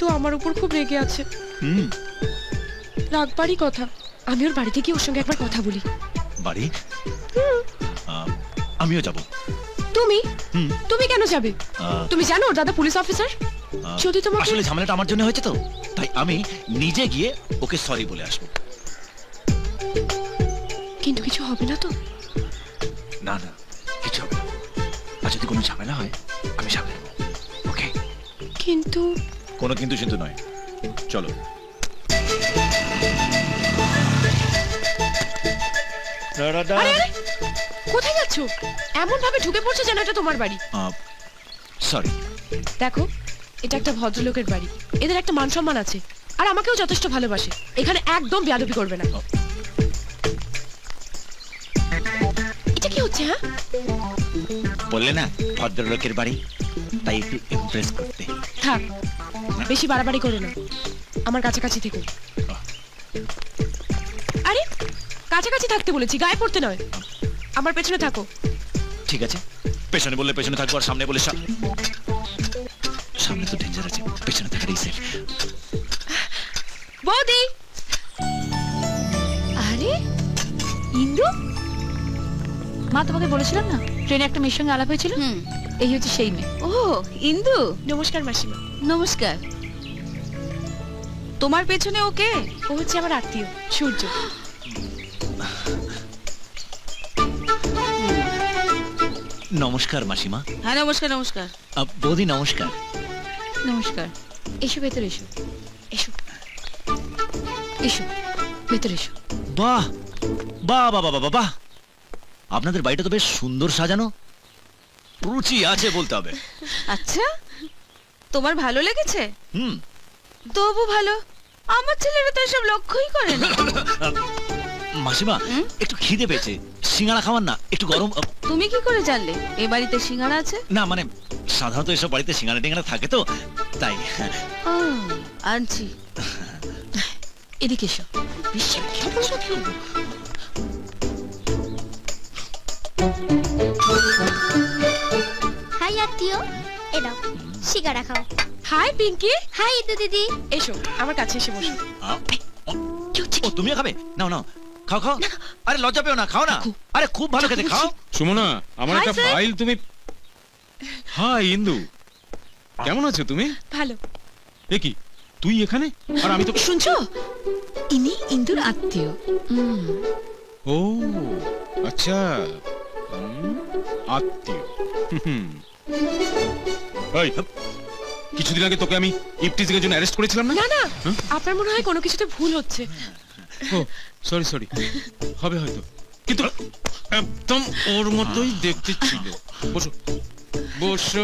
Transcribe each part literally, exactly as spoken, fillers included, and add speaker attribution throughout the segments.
Speaker 1: কিন্তু আমার উপর খুব রেগে আছে।
Speaker 2: হুম,
Speaker 1: রাগবারই কথা। আমি ওর বাড়িতে গিয়ে ওর সঙ্গে একবার কথা বলি।
Speaker 2: বাড়ি? আহ, আমিও যাব।
Speaker 1: তুমি
Speaker 2: হুম,
Speaker 1: তুমি কেন যাবে?
Speaker 2: আহ,
Speaker 1: তুমি জানো ওর দাদা পুলিশ অফিসার।
Speaker 2: আহ,
Speaker 1: যদি তোমাকে
Speaker 2: আসলে ঝামেলাটা আমার জন্য হয়েছে তো, তাই আমি নিজে গিয়ে ওকে সরি বলে আসবো।
Speaker 1: কিন্তু কিছু হবে না তো?
Speaker 2: না না, কিছু হবে না। আর যদি কোনো ঝামেলা হয় আমি সামলে নেবো। ওকে?
Speaker 1: কিন্তু
Speaker 2: কোনো কিন্তু কিন্তু নয়, চলো।
Speaker 1: আরে আরে কোথায় যাচ্ছ? এমন ভাবে ঢুকে পড়ছো যেন এটা তোমার বাড়ি।
Speaker 2: সরি।
Speaker 1: দেখো, এটা একটা ভদ্রলোকের বাড়ি। এদের একটা মান সম্মান আছে, আর আমাকেও যথেষ্ট ভালোবাসে। এখানে একদম বেয়াদবি করবে না। এটা কি হচ্ছে? হ্যাঁ,
Speaker 2: বললে না ভদ্রলোকের বাড়ি, তাই একটু ইমপ্রেস করতে।
Speaker 1: থাক, বেশি বাড়াবাড়ি করো না। আমার কাছাকাছি থেকো। আরে কাছাকাছি থাকতে বলেছি, গায়ে পড়তে নয়। আমার পেছনে থাকো।
Speaker 2: ঠিক আছে, পেছনে বললে পেছনে থাকবো, আর সামনে বলে সা- সামনে তো ডেঞ্জার আছে, পেছনে থাকাটাই সেফ।
Speaker 1: বৌদি!
Speaker 3: আরে ইন্দু, মা তোমাকে বলেছিলাম না ট্রেনে একটা মেয়ের সঙ্গে আলাপ হয়েছিল।
Speaker 4: হুম।
Speaker 3: এই হচ্ছে সেই মেয়ে।
Speaker 4: ও ইন্দু,
Speaker 1: নমস্কার মাসিমা।
Speaker 4: নমস্কার। তোমার পেছনে ওকে?
Speaker 1: ও হচ্ছে আমার আত্মীয় সূর্য।
Speaker 2: নমস্কার মাসিমা।
Speaker 4: হ্যাঁ নমস্কার নমস্কার।
Speaker 2: আহ, বৌদি নমস্কার।
Speaker 3: নমস্কার।
Speaker 1: এসো ভেতরে এসো। এসো
Speaker 3: এসো ভেতরে এসো।
Speaker 2: বাহ বাহ বাহ বাহ বাহ বাহ, আপনাদের বাড়িটা তো বেশ সুন্দর সাজানো, রুচি আছে বলতে হবে।
Speaker 4: আচ্ছা, তোমার ভালো লেগেছে?
Speaker 2: হুম।
Speaker 4: তবু ভালো, আমার ছেলেরা তো এসব লক্ষ্যই করে না।
Speaker 2: মাসিমা,
Speaker 4: হুম?
Speaker 2: একটু খিদে পেয়েছে, সিঙ্গাড়া খাওয়ান না, একটু গরম। আহ,
Speaker 4: তুমি কি করে জানলে এ বাড়িতে সিঙ্গারা আছে?
Speaker 2: না মানে সাধারণত এসব বাড়িতে সিঙ্গাড়া টিঙ্গাড়া থাকে তো, তাই।
Speaker 4: ও, আনছি।
Speaker 3: এদিকে এসো।
Speaker 5: হাই আত্মীয়, এ নাও সিগারা খাও।
Speaker 1: হাই পিঙ্কি।
Speaker 5: হাই ইদু দিদি।
Speaker 1: এসো আমার কাছে এসে বসো।
Speaker 2: আহ, ও তুমিও খাবে? নাও নাও, খাও খাও। আরে লজ্জা পেও না, খাও না। আরে খুব ভালো খেতে, খাও।
Speaker 6: সুমনা, আমার
Speaker 1: Hi,
Speaker 6: একটা
Speaker 1: sir.
Speaker 6: ফাইল তুমি। হাই ইন্দু, কেমন আছো তুমি?
Speaker 1: ভালো।
Speaker 6: এ কি, তুই এখানে আর আমি তো।
Speaker 3: শুনছো, ইনি ইন্দুর আত্মীয়। হুম,
Speaker 6: ও আচ্ছা, হুম, আত্মীয়। হুম। এই, কিছুদিন আগে তোকে আমি ইফটিজিং এর জন্য অ্যারেস্ট করেছিলাম না?
Speaker 1: না না,
Speaker 6: হ্যাঁ?
Speaker 1: আপনার মনে হয় কোনো কিছুতে ভুল হচ্ছে।
Speaker 6: ও সরি সরি, হবে হয়তো, কিন্তু একদম ওর মতোই দেখতে ছিল। বসো বসো।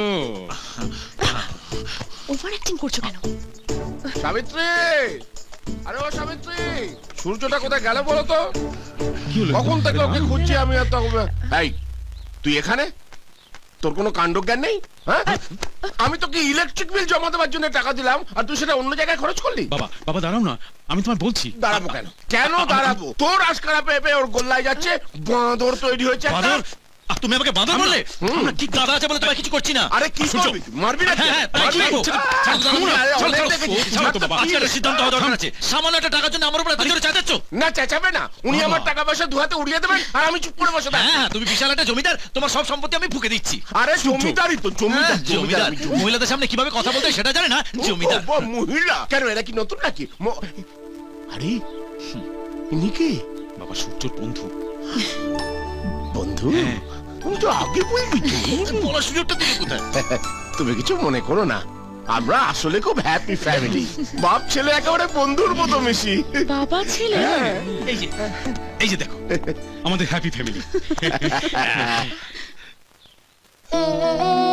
Speaker 1: ওভার অ্যাক্টিং করছো কেন?
Speaker 7: সাবিত্রী, আরে ও সাবিত্রী, সূর্যটা কোথায় গেল বলো তো?
Speaker 6: কি হলো?
Speaker 7: কখন থেকে ওকে খুঁজছি আমি। আর তখন এই তুই এখানে, তোর কোনো কাণ্ডজ্ঞান নেই? হ্যাঁ, আমি তোকে ইলেকট্রিক বিল জমা দেওয়ার জন্য টাকা দিলাম, আর তুই সেটা অন্য জায়গায় খরচ করলি।
Speaker 6: বাবা বাবা দাঁড়াও না, আমি তোমায় বলছি।
Speaker 7: দাঁড়াবো কেন? কেন দাঁড়াবো? তোর আশকারা পেয়ে পেয়ে ওর গোল্লায় যাচ্ছে, বাঁদর তৈরি হয়েছে একটা।
Speaker 2: বাঁদর? আহ, তুমি আমাকে বাঁদর বললে?
Speaker 7: হুম।
Speaker 2: আমরা কি গাদা আছে বলে তোমায় কিছু করছি না।
Speaker 7: আরে কি
Speaker 2: সূর্য,
Speaker 7: করবি? মারবি না?
Speaker 2: হ্যাঁ, হ্যাঁ, তাই কি করবো?
Speaker 7: আহ,
Speaker 2: ছাড়ো, ছাড়ো,
Speaker 7: থামুন, আরে
Speaker 2: ছাড়ো,
Speaker 7: অনেক
Speaker 2: ছাড়ো,
Speaker 7: দেখেছি।
Speaker 6: ও, ছাড়ো তো বাবা।
Speaker 2: আজকে একটা সিদ্ধান্ত হওয়া দরকার আছে। সামান্য একটা টাকার জন্য আমার উপর এত জোরে চেঁচাচ্ছ?
Speaker 7: না চেঁচাবে না, উনি আমার টাকা পয়সা দুহাতে উড়িয়ে দেবেন আর আমি চুপ করে বসে থাকবো।
Speaker 2: হ্যাঁ, তুমি বিশাল একটা জমিদার, তোমার সব সম্পত্তি আমি ফুঁকে দিচ্ছি।
Speaker 7: আরে জমিদারই তো, জমিদার
Speaker 2: হ্যাঁ, জমিদার
Speaker 7: আমি জমিদার।
Speaker 2: মহিলাদের সামনে কিভাবে কথা বলতে হয় সেটা জানে না, জমিদার।
Speaker 7: ও, ও, মহিলা কেন? এরা কি নতুন নাকি? ম- আরে ইনি কি?
Speaker 6: বাবা সূর্যর বন্ধু।
Speaker 7: বন্ধু?
Speaker 6: হ্যাঁ।
Speaker 7: তুমি তো আগে বলবি তো।
Speaker 2: বলার সুযোগটা দিলে কোথায়?
Speaker 7: তুমি কিছু মনে করো না, আমরা আসলে খুব হ্যাপি ফ্যামিলি। বাপ ছেলে একেবারে বন্ধুর মতো মিশি।
Speaker 1: বাবা ছেলে?
Speaker 2: এই যে এই যে দেখো,
Speaker 6: আমাদের হ্যাপি ফ্যামিলি।